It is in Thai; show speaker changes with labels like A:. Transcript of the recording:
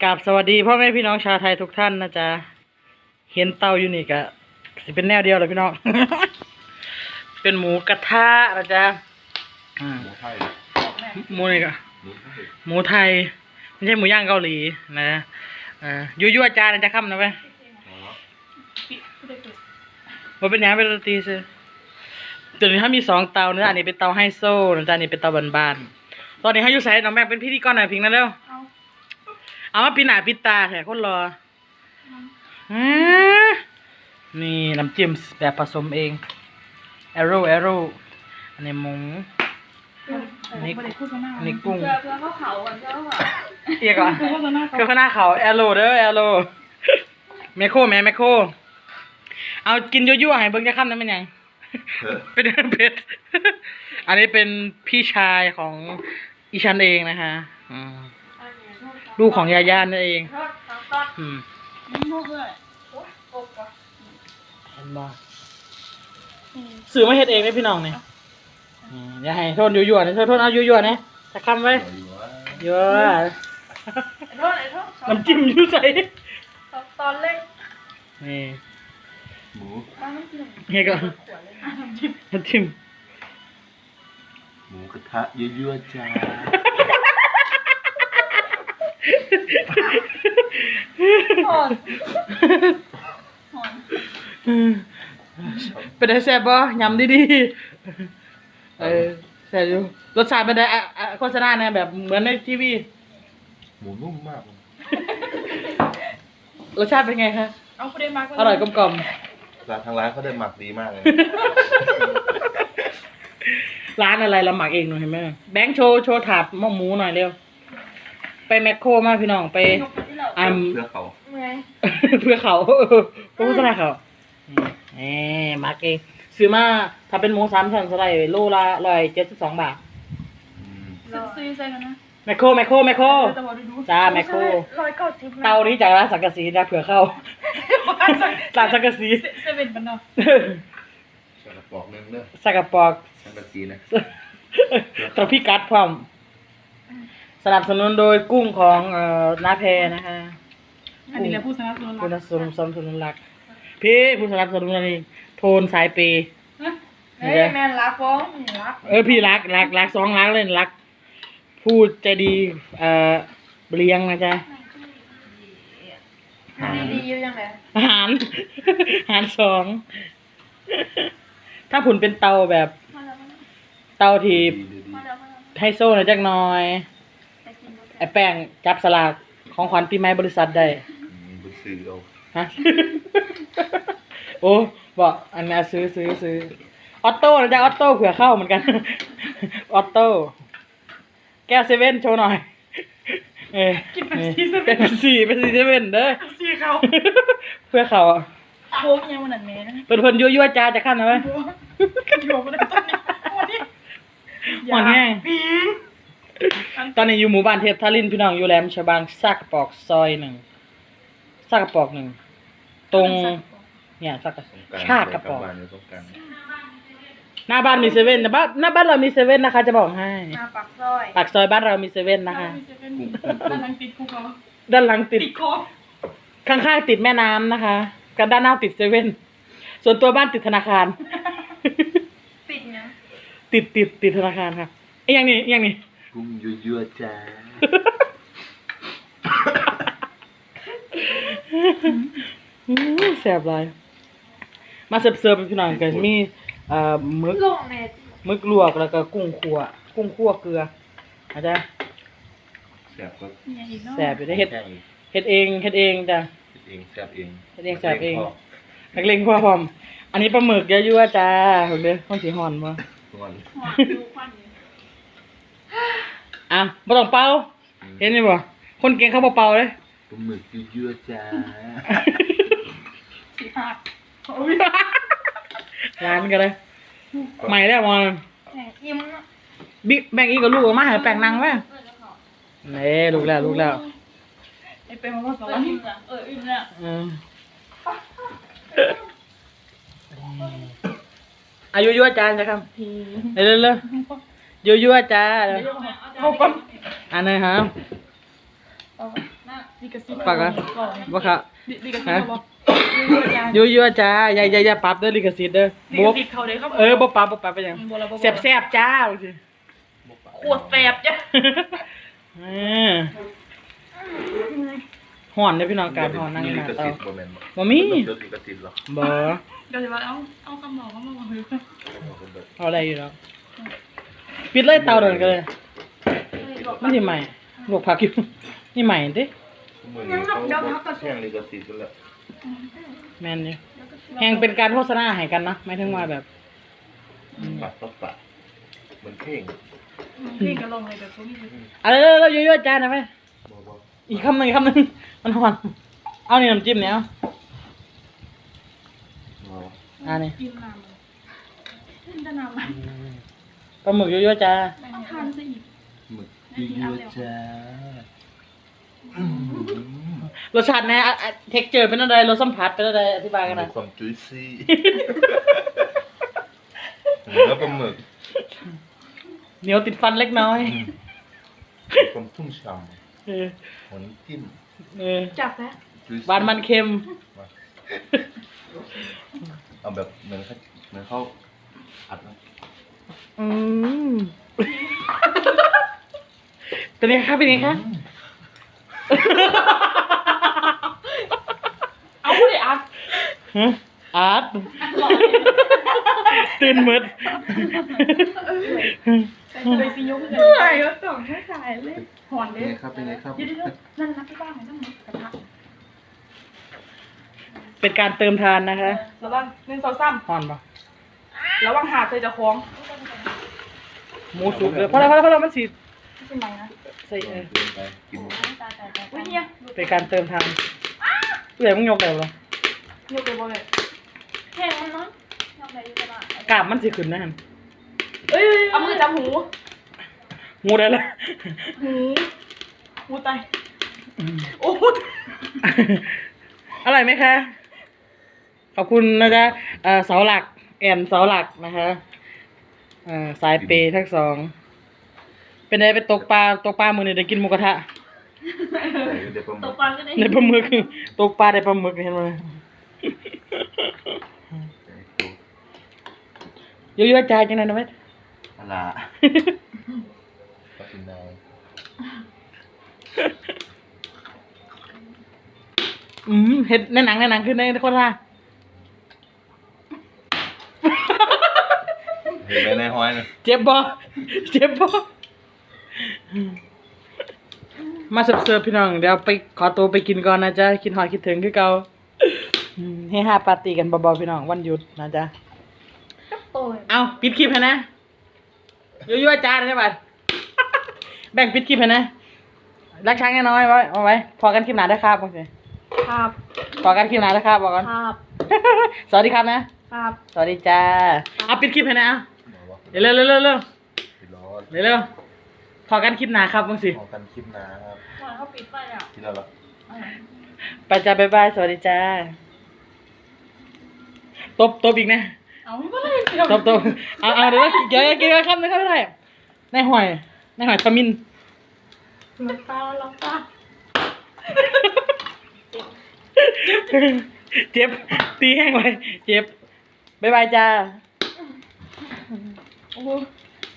A: กราบสวัสดีพ่อแม่พี่น้องชาวไทยทุกท่านนะจ๊ะเห็นเตาอยู่นี่กะสิเป็นแนวเดียวเลยพี่น้อง เป็นหมูกระทะนะจ๊ะ
B: หมูไทย
A: หมูนี่กะหมูไทยไม่ใช่หมูย่างเกาหลีนะยั่วๆจานนะจ๊ะค่ำนะเว้ยว่าเป็นยังเป็นโรตีซิตัวนี้ถ้ามี2 เตานะอันนี้เป็นเตาไฮโซนะจ๊ะอันนี้เป็นเตาบานๆตอนนี้ให้ยูใส่น้องแม่เป็นพิธีกรหน่อยพิงนั่นเร็วเอามาปิดหน้าปิดตาแถคนรอนี่น้ำจิ้มแบบผสมเองแอโร่อันนี้หมูอันนี้กุ้ง
C: เพื่อเขาก่อนเพื่อเขา
A: เอียก่อนคือข้างหน้าเขาแอโร่เด้อแอโร่แมคโครเอากินยั่วๆให้เบิ่งจะค่ำนั้นเป็นยังเป็นเผ็ดอันนี้เป็นพี่ชายของอีชันเองนะคะลูกของยาย่านั่นเองเห็นบ่สื่อมาเฮ็ดเองได้พี่น้องเนี่ยอย่าให้โทษยั่วๆนะโทษเอายั่วๆนะจะคำไว้ยั่วน้ำจิ้มอยู่ใส่
C: ตอนเล็ก
A: นี่
B: หมู
A: เฮ้ยก่อนน้ำจิ้ม
B: หมูกระทะยั่วๆจ้า
A: เป็นไงแซ่บบ่ยำดีๆแซ่บอยู่รสชาติเป็นไงโฆษณาเนี่ยแบบเหมือนในทีวี
B: หมูนุ่มมาก
A: รสชาติเป็นไงคะอร่อยกลม
B: ทางร้านเขาได้หมักดีมากเลย
A: ร้านอะไรเราหมักเองหน่อยเห็นไหมแบงค์โชว์ถาดหมูหน่อยเร็วไปแมคโครมาพี่น้องไป
B: เพื่อเขา
A: เพื่อเขาโฆษณาเขาหมักเองซื้อมาถ้าเป็นหมู3 ชั้นสไลด์โลละ172 บาท
C: ซื้อใส่กันนะ
A: แมคโครจ้าแมคโครเตานี้จากร้านสังกะสีนะเผื่อเข้าร้านสังกะสี
C: เซเว่นมันเนาะ
B: ใส่กระป๋องนึงเนอะ
A: ใส่กระป๋อง
B: สังกะสีนะ
A: ตัวพี่กัดพร้อมสนับสนุนโดยกุ้งของน้าแพนะคะ
C: อันนี้แหละผู้สนับสนุน
A: รักพี่ผู้สนับสนุนนี่โทนสายเปย์
C: แม่รักฟ้องรัก
A: พี่รัก2 รักเลยรักพูดใจดีเลี้ยงนะจ๊ะ
C: ดีอยู่ยังไง
A: หาร2ถ้าผุนเป็นเตาแบบเตาที่ไฮโซหน่อยจักหน่อยไอ้แป้งจับสลากของขวัญปีใหม่บริษัทได้
B: ซื้อเอา
A: ฮะโอ้บอกอันนี้ซื้อออโต้นะจ๊ะออโต้เผื่อเข้าเหมือนกันออโต้แก้วเซเว่นโชว์หน่อย
C: กิน
A: เป็นซีเซเว่นเด้อ
C: ซีเขา
A: เพื่อเขา
C: โค้งยังวันนั้นแม่
A: เพิ่นยั่วจ้าจะขั้นนะเว้ย
C: อยู่มาตอนนี้
A: หวานแห้งตอนนี้อยู่หมู่บ้านเทพทารินพี่น้องอยู่แหลมฉบังซากกระปอกซอย1ซากกระปอก1ตรงเนี่ยซากกระชากกระปอกหน้าบ้านมีเซเว่นนะหน้าบ้านเรามีเซเว่นนะคะจะบอกให้ปากซอยบ้านเรามีเซเว่นนะคะ
C: ด้านหลังติดคุกเรา
A: ด้านหลังติดข้างๆติดแม่น้ำนะคะกับด้านหน้าติดเซเว่นส่วนตัวบ้านติดธนาคาร
C: ติดเนี่ย
A: ติดธนาคารค่ะอย่างนี้
B: กุ้งยั่วจ้า
A: แซ่บเลยมาเสิร์ฟพี่น้องกันมีมึกลวกแล้วก็กุ้งคั่วเกลืออาจจะแซ่บอยู่ได้เฮ็ดเองจ้ะ
B: เฮ็ดเองแซ่บเอง
A: นักเลงพ่อพร้อมอันนี้ปลาหมึกยั่วจ้าเห็นมั้ยข้าวสีห่อนบ่บ่ต้องเป่าเห็นมั้ยบ่คนเก่งเขาบ่เป่าเลย
B: ปลาหมึกยั่วจ้า
C: สิหัก
A: ร้านกันเลยใหม่แล้วมอนบิ๊กแบ่งอีกกับลูกออกมาให้แป้งนั่งไว้นี่ลูกแล้ว
C: ไอ้เป็นมาสอนอิ่มแล้ว
A: อายุยั่วจานจ้ะครับเร็วยั่วจ้า
C: เอาก่อน
A: อันนี้ครับ
C: ดีกระซิบ
A: ปากอะบ่ครับ
C: ดีกระซิบบอก
A: ยั่วๆจ้าอย่าปรับเด้อลิขสิทธิ์เด้อ
C: ดี
A: บ่
C: กระซิบเขาเด้เขา
A: บ่ปรับไปหยังแซ่บๆจ้าว่าสิ
C: โคตรแสบจ้ะ
A: ฮ้อนเด้อพี่น้องการฮ้อนนั่งหน้าเตา
B: บ่แม่น
A: บ่มี
B: เลิกลิขสิทธิ์หรอ
A: บ่
C: เดี๋ยวจะว่าเอาคำบอกเขามาบอกเลย
A: เอาอะไรอยู่แล้วปิดเลยเตาเดินกันเลยมันสิใหม่ลวกผักอยู่นี่ใหม่ติ
B: เหมือนเขาแข่งลิขสิทธิ์กันแล้ว
A: แม่นอยู่แฮงเป็นการโฆษณาให้กันนะหมายถึงว่าแบบ
B: ปัดต่อปัดเหมือนเพลง
C: พี่ก็ลองเลยแต่เขาไม่รู้
A: เรายั่วๆจ้านะแม่
B: บ่
A: อีกคำหนึงมันฮ้อนเอานี่น้ำจิ้มเนี่ยเอา นี่
C: กินน้ำเลยกินแต่น้ำมัน
A: ปลาหมึกยั่วๆจ้า
C: เอาทานซะอีก
B: หมึกยั่วๆจ้าร
A: สชาติแน่เท็กเจอร์เป็นอะไรรสสัมผัสเป็นอะไรอธิบายกันหน่อย
B: ความจุยซี่แล้วปลาหมึก
A: เหนียวติดฟันเล็กน้อย
B: ความชุ่มฉ่
A: เออ
B: ำหัวน้ำจิ้ม
C: จับแล้ว
B: จุยซี่
A: หวานมันเค็ม
B: เอาแบบเหมือนเขาอัดนะ
A: อืมเป็นไงคะเป็นไงคะ
C: เอาไม่ได้อัด
A: ฮะอาร์ตตื่นมืด
C: เลยสิยกเลยก็ต้องให้ถ่ายเลยหอน
B: เป็
C: เล
B: น
C: ย
B: ไงครับเป็นไงครับ
C: เดี๋ยวนั่นนักที่บ้านไหนต้องมีกระทะ
A: เป็นการเติมทานนะคะ
C: ระวัง1 2 3
A: ห่อนปะ
C: ระวังหาดเคยจะคล้อง
A: หมูสุกเลยเพราะเรามันสี
C: ไม่เป็นไรนะ
A: ใส่
B: กินไปกินหมด
C: อุ้ยเนี่ย
A: เป็นการเติมทานเอื่อยมึงยกได้หรอ
C: ยกไปบ่เลยแค่นั้นเนาะยกได้อยู่บ้าน
A: กราบมันสิขึ้นนะฮัน
C: เอ้ยเอามือจับหู
A: งูได้ละ
C: หูตายโอ้
A: อร่อยไหมคะ ขอบคุณนะจ๊ะเสาหลักแอนเสาหลักนะคะสายเปย์ทั้งสอง เป็นไงไปตกปลามือนี่ได้กินหมูกระทะ
B: เดี๋ยวปลาห
C: ต
B: มึ
C: ก
B: ก
C: ปลาก็ได้
A: ในปลาหมึกตกปลาได้ปลาหมึกเห็นไหมเยอะๆใจจังเลยนะเว้ย
B: อะไรก็กินได้
A: เห็ดในหนังขึ้นในคนละ
B: เห็นไหมในห้อยนะ
A: เจ็บบ่มาเสิร์ฟพี่น้องเดี๋ยวไปขอตัวไปกินก่อนนะจ๊ะคิดหอดคิดถึงคือเก่าให้ห้าปาร์ตี้กันเบาๆพี่น้องวันหยุดนะจ๊ะ
C: โอ้ย
A: เอาปิดคลิปให้นะยั่วๆจ้าใช่ป่ะแบ่งปิดคลิปให้นะรักช้างน้อยๆไว้เอาไว้พอกันคลิปหน้าได้ครับโอเค
C: ครับ
A: พอกันคลิปหน้าได้ครับบอกก่อน
C: ครับ
A: สวัสดีครับนะครับ สวัสดีจ้าเอาปิดคลิปให้นะเอาเร็วเร็วพอกันคลิปหน้าครับมึงสิ
B: ของกันคลิปนะครับ
C: ก่อนเขาปิดไปอ่ะ
B: ที่เราหรอ
A: ไปจ้าบ๊ายบายสวัสดีจ้าตบอีกนะ
C: เอาไม่เป็นไร
A: ตบเอาเดี๋ยวกินครับนะครับไม่ได้ในหอยทมิน
C: ล็อกตา
A: เจ็บตีแห้งเลยเจ็บบ๊ายบายจ้า
C: โอ้